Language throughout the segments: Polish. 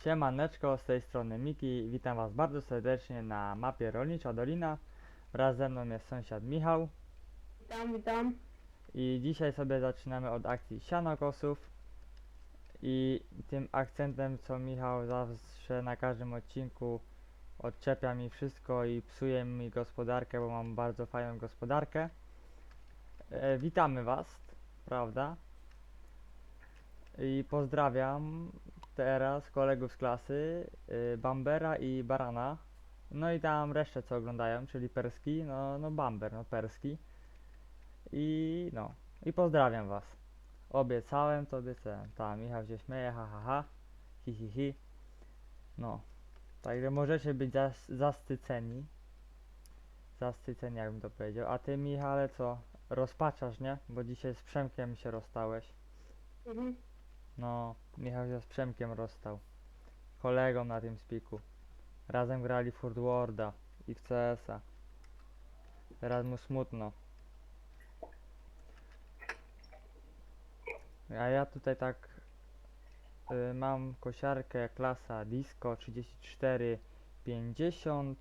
Siemaneczko, z tej strony Miki, witam was bardzo serdecznie na mapie Rolnicza Dolina. Wraz ze mną jest sąsiad Michał Witam. i dzisiaj sobie zaczynamy od akcji sianokosów i tym akcentem, co Michał zawsze na każdym odcinku odczepia mi wszystko i psuje mi gospodarkę, bo mam bardzo fajną gospodarkę. Witamy was, prawda? I pozdrawiam teraz kolegów z klasy, Bambera i Barana. No i tam resztę co oglądają, czyli Perski, no Bamber, no Perski. I no, i pozdrawiam was. Obiecałem, to obiecałem. Ta, Michał się śmieje, ha ha ha, hi hi hi. No, także możecie być zastyceni. Zastyceni, jakbym to powiedział. A ty, Michale, co? Rozpaczasz, nie? Bo dzisiaj z Przemkiem się rozstałeś. Mhm. No, Michał się z Przemkiem rozstał. Kolegą na tym spiku. Razem grali w Furt Worda i w CS-a. Teraz mu smutno. A ja tutaj tak mam kosiarkę klasa Disco 3450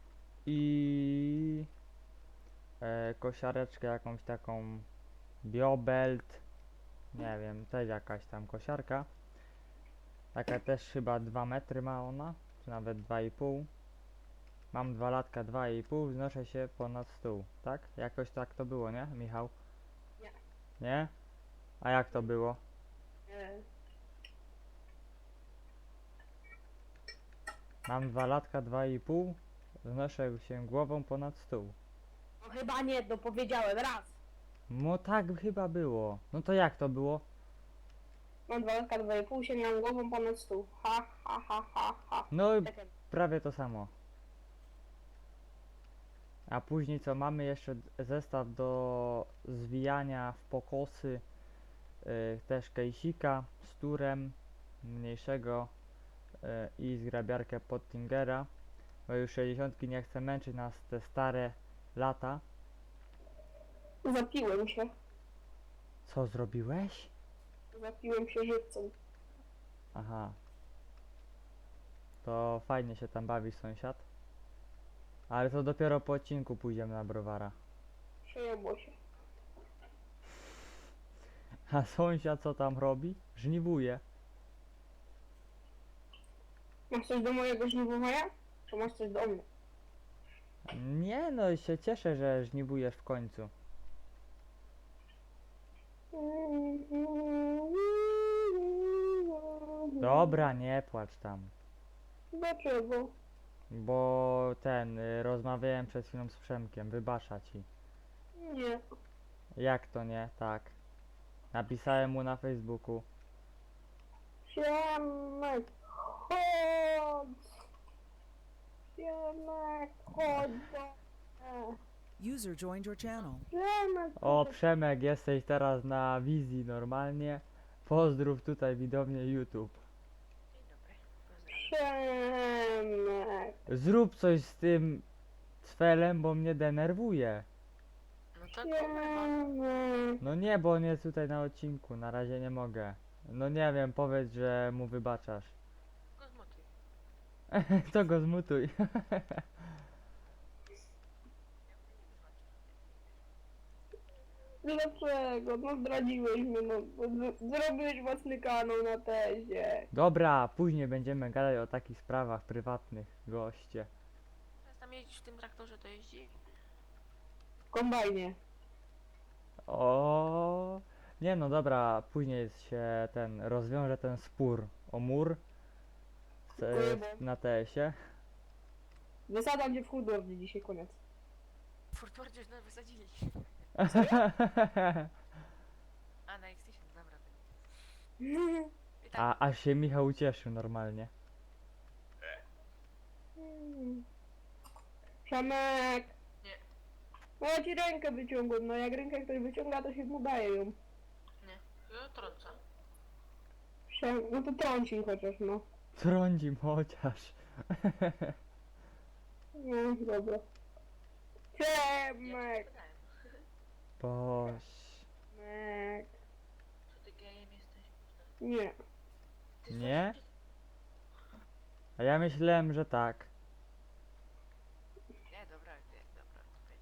i kosiareczkę jakąś taką Biobelt. Nie wiem, też jakaś tam kosiarka. Taka też chyba 2 metry ma ona, czy nawet 2,5. Mam 2 latka, 2,5, wznoszę się ponad stół, tak? Jakoś tak to było, nie, Michał? Nie. Nie? A jak to było? E, Mam 2 latka, 2,5, wznoszę się głową ponad stół. no chyba nie, no powiedziałem raz. No tak chyba było. No to jak to było? Mam 2 latka, 2,5, się miałam głową ponad stół. Ha, ha, ha, ha, ha. No i Czekaj. prawie to samo. A później co, mamy jeszcze zestaw do zwijania w pokosy, też kejsika z turem mniejszego i zgrabiarkę Pottingera, bo już 60 nie chce męczyć nas te stare lata. Zapiłem się. Co zrobiłeś? Zapiłem się żywcem. Aha, to fajnie się tam bawi sąsiad. Ale to dopiero po odcinku pójdziemy na browara. Przejęło się. A sąsiad co tam robi? Żniwuje. Masz coś do mojego żniwowania? Czy masz coś do mnie? Nie no, się cieszę, że żniwujesz w końcu. Dobra, nie płacz tam. Dlaczego? Bo rozmawiałem przed chwilą z Przemkiem, wybacza ci. Nie. Jak to nie? Tak. Napisałem mu na Facebooku. Siemek, chodź. Siemek, chodź do mnie. User joined your channel. Siemek, O chodź. Przemek, jesteś teraz na wizji normalnie. Pozdrów tutaj widownię YouTube. Przemek. Zrób coś z tym cfelem, bo mnie denerwuje. No tak opływam. Przemek. No nie, bo on jest tutaj na odcinku, na razie nie mogę. No nie wiem, powiedz, że mu wybaczasz. Go zmutuj. To go zmutuj. Dlaczego? No zdradziłeś mnie, no. Zrobiłeś własny kanał na tezie. Dobra, później będziemy gadać o takich sprawach prywatnych, goście. Teraz tam jeździć w tym traktorze, to jeździ. W kombajnie. O, nie no dobra, później się rozwiąże ten spór o mur na TS-ie. Wysadzam cię w chudowni dzisiaj, koniec. W Furtwardzie już nas wysadzili. A, na X10, dobra. I tak, Aż się Michał ucieszył normalnie. Przemek. Nie. No ja ci rękę wyciągłem, no jak rękę ktoś wyciąga, to się mu daje ją. nie. Ja trącę. No to trąci chociaż, no. Trądzi chociaż. No, dobra. Ja Przemek. ci podałem. Boś. Przemek. Co ty gejem jesteś? Nie. Ty Nie? A ja myślałem, że tak. Nie, dobra, nie, dobra. Czekaj.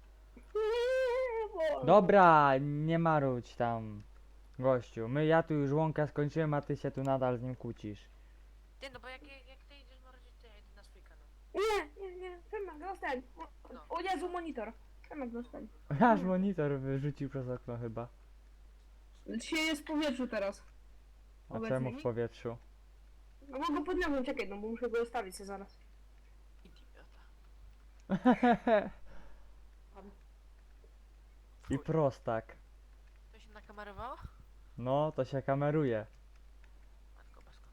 Nie, bo... Dobra, nie marudź tam, gościu. Ja tu już łąkę skończyłem, a ty się tu nadal z nim kłócisz. Ty, no bo jak ty idziesz marudzić, to ja idę na swój kanał. Nie, Przemek, zostań. No. O Jezu, monitor. Przemek, zostań. Aż monitor wyrzucił przez okno chyba. Dzisiaj jest w powietrzu teraz. A Obecnie czemu w nie? powietrzu? No bo go podniosłem, czekaj, no bo muszę go zostawić sobie zaraz. Idiota. I prostak. To się nakamerowało? No, to się kameruje. Matko bosko.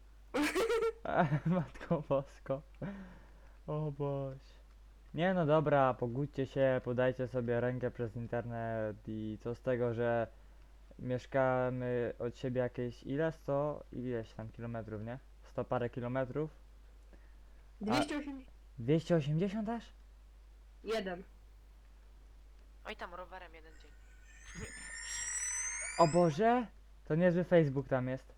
Matko Bosko. O Boś. Nie no dobra, pogódźcie się, podajcie sobie rękę przez internet i co z tego, że mieszkamy od siebie jakieś ileś tam kilometrów, nie? 100 parę kilometrów? 281. 280 aż? Oj, tam rowerem jeden dzień. O Boże! To niezły Facebook tam jest.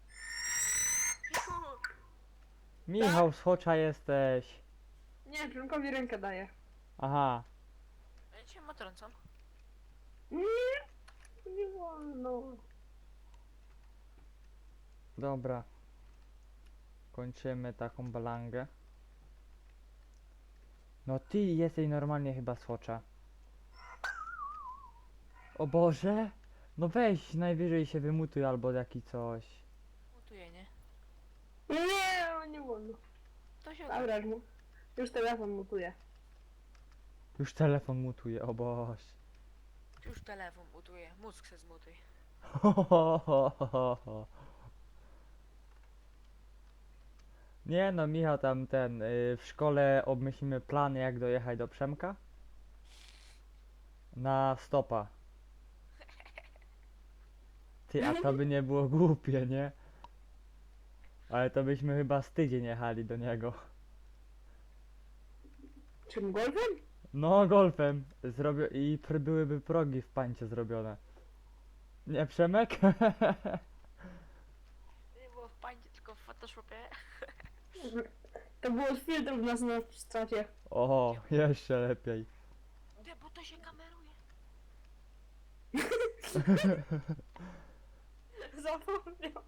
Michał z Chocza jesteś. Nie, Przemkowi rękę daję. Aha. Ja cię motrącam. Nie wolno. Dobra. Kończymy taką balangę. No ty jesteś normalnie chyba z Chocza. O Boże! No weź, najwyżej się wymutuj albo jaki coś. Mutuję, nie? Nie wolno. To się Dobra, już telefon mutuje. Już telefon mutuje, o Boż. Już telefon mutuje, mózg se zmutuj. Nie no, Michał tam w szkole obmyślimy plany jak dojechać do Przemka. Na stopa. Ty, a to by nie było głupie, nie? Ale to byśmy chyba z tydzień jechali do niego. Czym golfem? No, golfem. Byłyby progi w pańcie zrobione. Nie, Przemek? Nie było w pańcie, tylko w Photoshopie. To było z filtrów na stracie. O, jeszcze lepiej. Nie, bo to się kameruje. Zapomniał.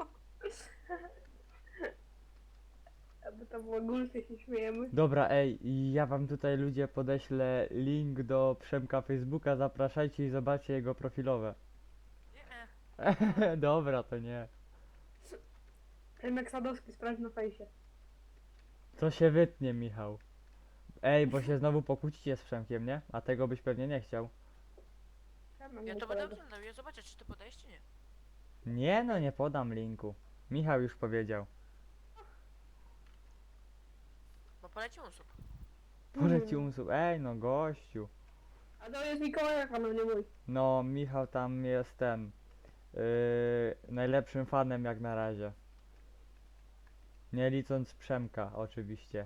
Aby to było gulfy, się śmiejemy. Dobra, ej, ja wam tutaj ludzie podeślę link do Przemka Facebooka, zapraszajcie i zobaczcie jego profilowe. Nie, Dobra, to nie. Przemek Sadowski, sprawdź na fejsie. To się wytnie, Michał. Ej, bo się znowu pokłócicie z Przemkiem, nie? A tego byś pewnie nie chciał. Przemek, ja mój to będę kolega. oglądał, ja zobaczę, czy ty podajesz, czy nie. Nie no, nie podam linku. Michał już powiedział. Bo poleci usób. Poleci umysł. Ej, no gościu. A to jest Mikołaja kanał, nie mój. No, Michał tam jest najlepszym fanem jak na razie. Nie licząc Przemka, oczywiście.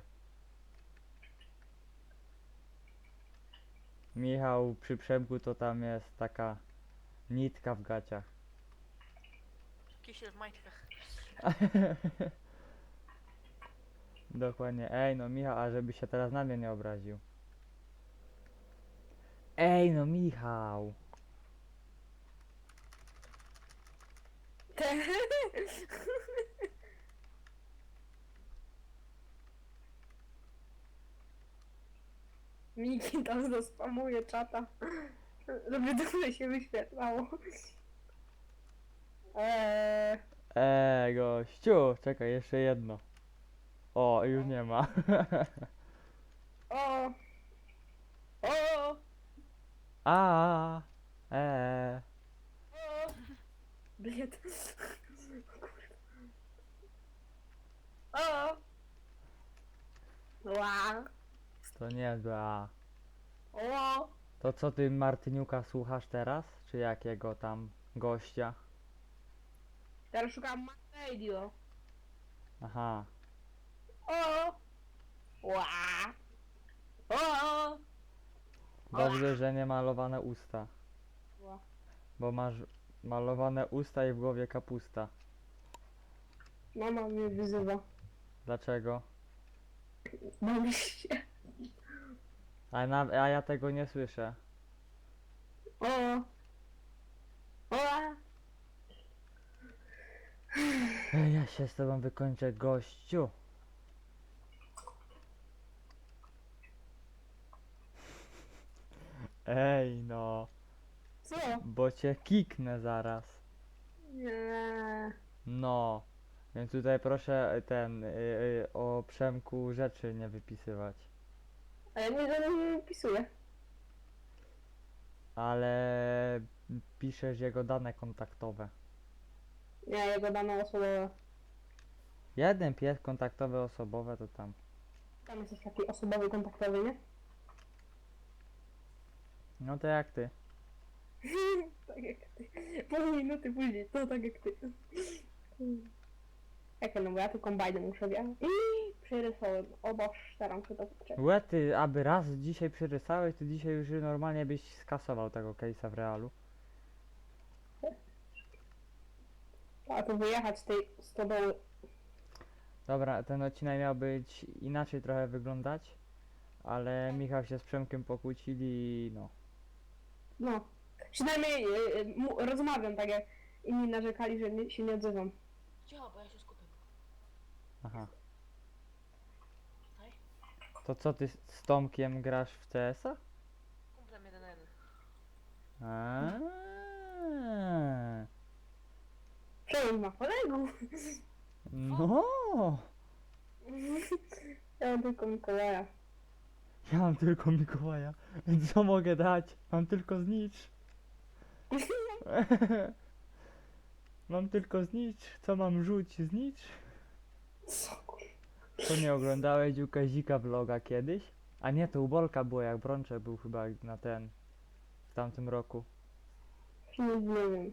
Michał przy Przemku to tam jest taka nitka w gaciach. Kisiel w majtkach. Dokładnie. Ej, no Michał, a żeby się teraz na mnie nie obraził. Ej, no Michał. Miki tam zaspamuje czata, żeby dobrze się wyświetlało. Gościu, czekaj, jeszcze jedno. O, już nie ma. O! O! A, O! Bliet. O! Ła! to nie zła. O! To co ty Martyniuka słuchasz teraz? Czy jakiego tam gościa? Teraz szukam radio. Aha. O! Ła! O! Dobrze, że nie malowane usta. Ła. Bo masz malowane usta i w głowie kapusta. Mama mnie wyzywa. Dlaczego? Bawisz się. A ja tego nie słyszę. O! O! Ej, ja się z tobą wykończę, gościu. Ej, no. Co? Bo cię kiknę zaraz. Nie. No. Więc tutaj proszę o Przemku rzeczy nie wypisywać. A ja nie żadnego nie wpisuję. Ale piszesz jego dane kontaktowe. Nie, jego dane osobowe. Jeden pies kontaktowy osobowe to tam. Tam jesteś taki osobowy, kontaktowy, nie? No to jak ty? Tak jak ty. Pół minuty później, to tak jak ty. Jak no bo ja tu kombajnem muszę wjechać. I przerysowałem. O Boż, staram się to poczekać. Łe ty, aby raz dzisiaj przerysałeś, to dzisiaj już normalnie byś skasował tego case'a w realu. A tu wyjechać z tej stodoły. Dobra, ten odcinek miał być inaczej trochę wyglądać, ale Michał się z Przemkiem pokłócili i no. No. Przynajmniej rozmawiam tak jak inni narzekali, że się nie odzywam. Cicho, bo ja się skupię. Aha. Tutaj? To co ty z Tomkiem grasz w CS-a? Kumplem 1 na 1. Aaaa. Przełom ma kolegów. No. Ja mam tylko Mikołaja. Ja mam tylko Mikołaja. Więc co mogę dać? Mam tylko znicz. Mam tylko znicz. Co mam rzuć? Znicz? Co kur... To nie oglądałeś u Kazika vloga kiedyś? A nie, to u Bolka było, jak Brączek był chyba na ten... w tamtym roku. Nie wiem.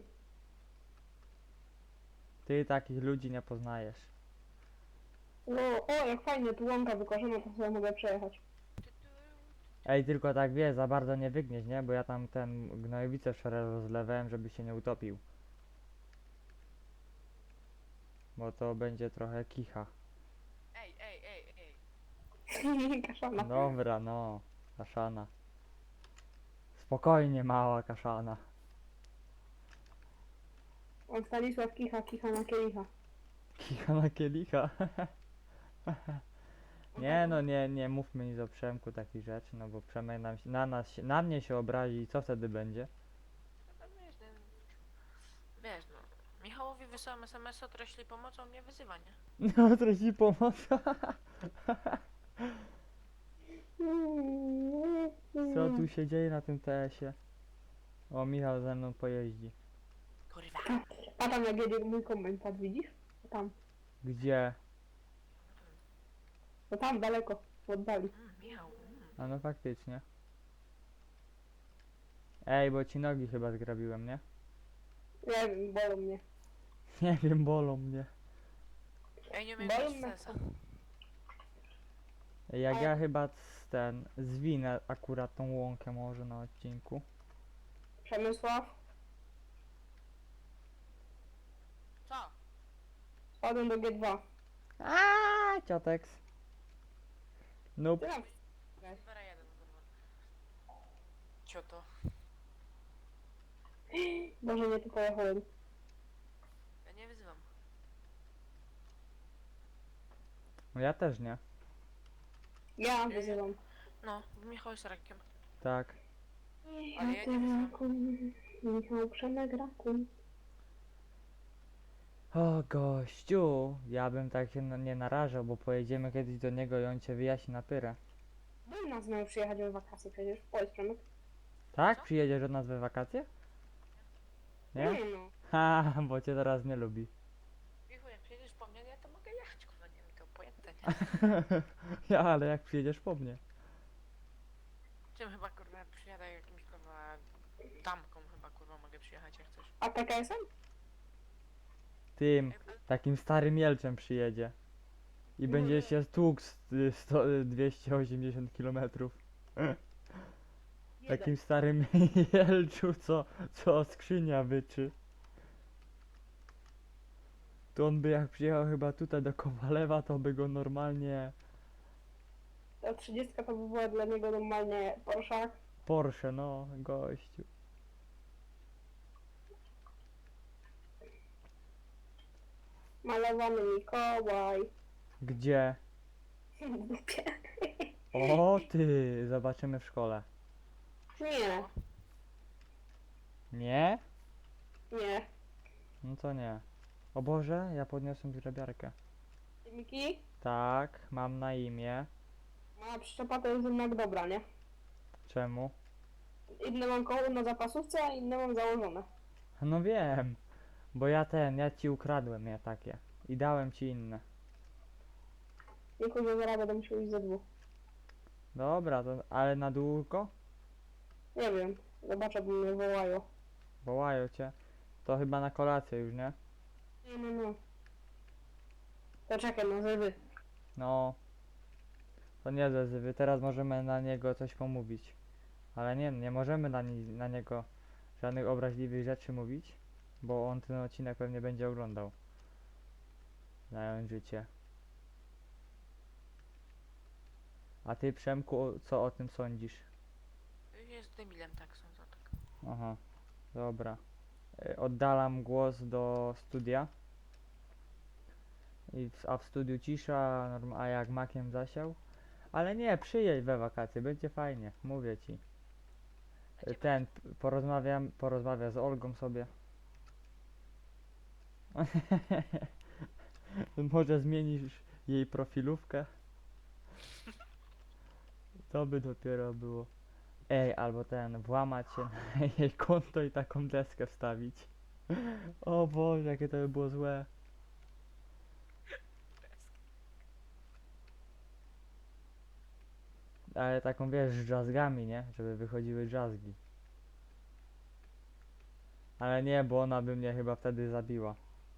Ty takich ludzi nie poznajesz. No, o jak fajnie, tu łąka wykoszona, to sobie mogę przejechać. Ej, tylko tak wie, za bardzo nie wygnieś, nie? Bo ja tam ten gnojowicę wczoraj rozlewałem, żeby się nie utopił. Bo to będzie trochę kicha. Ej. Kaszana. Dobra, no. Kaszana. Spokojnie, mała kaszana. On Stanisław kicha, kicha na kielicha. Kicha na kielicha. Nie no, nie mówmy nic o Przemku takich rzeczy, no bo Przemek na mnie się obrazi i co wtedy będzie? No to wiesz, no. Michałowi wysyłam SMS-a, teraz jeśli pomocą mnie wyzywa, nie? No, traci pomoc. Co tu się dzieje na tym TS-ie? O, Michał ze mną pojeździ. Kurwa. A tam jak jedzie mój komentarz, widzisz? Tam. Gdzie? No tam daleko, w oddali. Michał. A no faktycznie. Ej, bo ci nogi chyba zgrabiłem, nie? Nie wiem, bolą mnie. Nie wiem, bolą mnie. Ej, nie umiem Bolą grać w mnie. CS-a. Jak ja chyba zwinę akurat tą łąkę może na odcinku. Przemysław, Co? spadłem do G2. Aaaa, cioteks. Nope. Ty tam. Wera 1, kurwa. Cioto. Boże, nie tu pojechałem. Ja nie wyzywam. No ja też nie. Ja wyzywam. No, Michał jest rakiem. Tak. Ale ja nie Michał Rakun. Michał Przemek Rakun. O gościu, ja bym tak się nie narażał, bo pojedziemy kiedyś do niego i on cię wyjaśni na pyrę. Był nas miał przyjechać w wakacje przecież. Powiedz Przemek. Tak? Co? Przyjedziesz od nas we wakacje? Nie? No. Ha, bo cię teraz nie lubi. Michał, jak przyjedziesz po mnie, ja to mogę jechać, kurwa, nie mi to pojęte, nie? Ja, ale jak przyjedziesz po mnie? Czym chyba, kurwa, przyjadę jakimś, kurwa, damką chyba, kurwa, mogę przyjechać, jak chcesz. A PKS-em? Tym, takim starym Jelczem przyjedzie. I będzie się tłukł 280 km. Takim starym Jelczu, co skrzynia wyczy. To on by jak przyjechał chyba tutaj do Kowalewa, to by go normalnie Ta 30 to by była dla niego normalnie Porsche. Porsche, no, gościu. Malowany Mikołaj. Gdzie? W dupie. O ty, zobaczymy w szkole. Nie, Nie? nie. No to nie. O Boże, ja podniosłem zgrabiarkę. Miki? Tak, mam na imię. Moja przyczepa to jest jednak dobra, nie? Czemu? Inne mam koło na zapasówce, a inne mam założone. No wiem, bo ja ci ukradłem je takie. I dałem ci inne. Nie kurwa, zaraz będę musiał iść ze dwóch. Dobra, to, ale na długo? Nie wiem, zobaczę, bo mnie wołają. Wołają cię. To chyba na kolację już, nie? No. To czekaj, no zywy. No. To nie zezywy, teraz możemy na niego coś pomówić. Ale nie możemy na niego żadnych obraźliwych rzeczy mówić, bo on ten odcinek pewnie będzie oglądał. Znając życie. A ty, Przemku, co o tym sądzisz? Jest debilem, tak sądzę, tak. Aha, dobra. Oddalam głos do studia. A w studiu cisza, a jak makiem zasiał. Ale nie, przyjedź we wakacje, będzie fajnie, mówię ci. Porozmawia z Olgą sobie. Może zmienisz jej profilówkę? To by dopiero było. Ej, albo włamać się na jej konto i taką deskę wstawić. O Boże, jakie to by było złe. Ale taką wiesz, z drzazgami, nie? Żeby wychodziły drzazgi. Ale nie, bo ona by mnie chyba wtedy zabiła.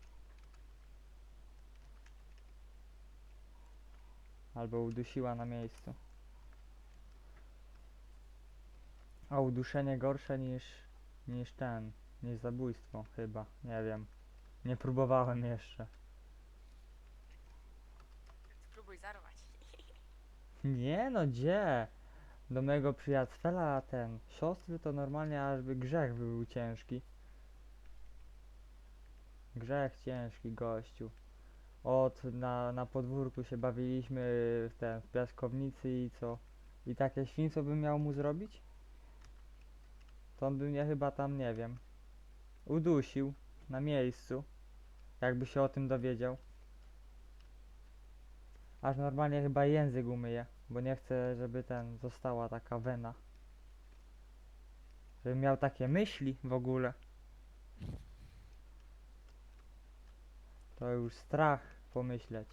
Albo udusiła na miejscu. A uduszenie gorsze niż zabójstwo chyba, nie wiem. Nie próbowałem jeszcze. Spróbuj zarwać. Nie no, gdzie? Do mojego przyjaciela siostry to normalnie aż by grzech był ciężki. Grzech ciężki, gościu. Na podwórku się bawiliśmy w piaskownicy i co? I takie świństwo bym miał mu zrobić? To on by mnie chyba tam, nie wiem, udusił na miejscu, jakby się o tym dowiedział. Aż normalnie chyba język umyję, bo nie chcę, żeby została taka wena. Żebym miał takie myśli w ogóle. To już strach pomyśleć.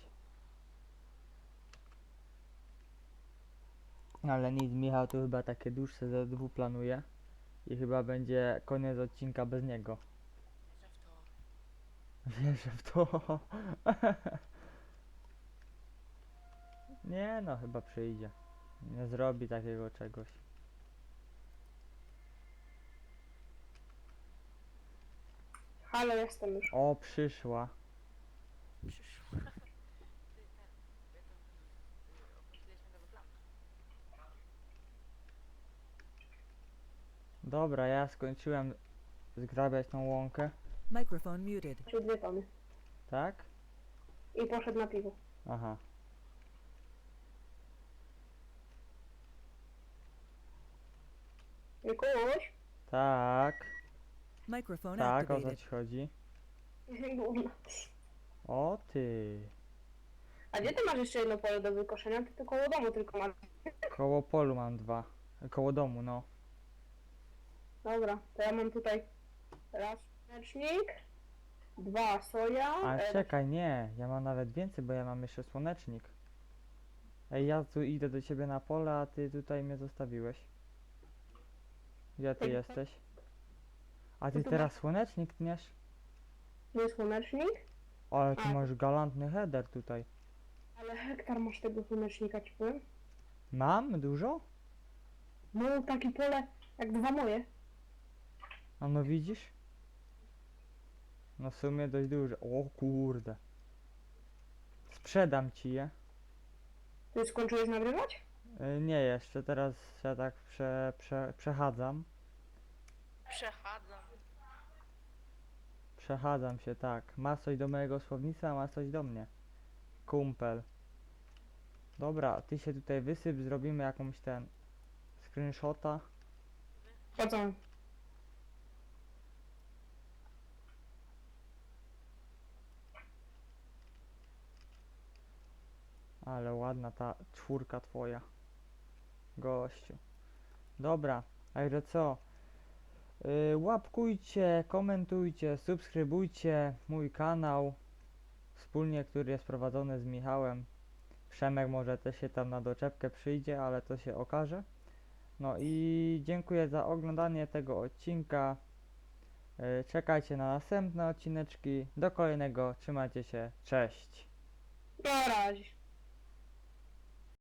Ale nic, Michał tu chyba takie dłuższe ZW planuje. I chyba będzie koniec odcinka bez niego. Wierzę w to. Wierzę w to. Nie no, chyba przyjdzie. Nie zrobi takiego czegoś. Halo, jestem już. O, przyszła. Przyszło. Opuściliśmy nowy plan. Dobra, ja skończyłem zgrabiać tą łąkę. Microphone muted. Czyli 2 tony. Tak? I poszedł na piwo. Aha. Mikuś? Tak. Microphone Tak, o co activated. ci chodzi? Gówno. O ty. A gdzie ty masz jeszcze jedno pole do wykoszenia? Ty to koło domu tylko masz. Koło polu mam 2. Koło domu, no. Dobra, to ja mam tutaj raz słonecznik, 2 soja. Ale czekaj, nie. Ja mam nawet więcej, bo ja mam jeszcze słonecznik. Ej, ja tu idę do ciebie na pole, a ty tutaj mnie zostawiłeś. Gdzie ty Ej, jesteś? A ty No to teraz słonecznik tniesz? Nie słonecznik, Ale ty A. masz galantny header tutaj. ale hektar masz tego słonecznika, ci powiem. Mam? Dużo? No, takie pole jak 2 moje. A no widzisz? No w sumie dość duże. O kurde. Sprzedam ci je. Ty skończyłeś nagrywać? Nie jeszcze, teraz się tak przechadzam. Przechadzam. Przechadzam się, tak. Ma coś do mojego słownictwa, ma coś do mnie. Kumpel. Dobra, ty się tutaj wysyp, zrobimy jakąś ten screenshota. Po co? Ale ładna ta czwórka twoja. Gościu. Dobra, a że co? Łapkujcie, komentujcie, subskrybujcie mój kanał. Wspólnie, który jest prowadzony z Michałem. Przemek może też się tam na doczepkę przyjdzie, ale to się okaże. No i dziękuję za oglądanie tego odcinka. Czekajcie na następne odcineczki. Do kolejnego. Trzymajcie się. Cześć. Na razie.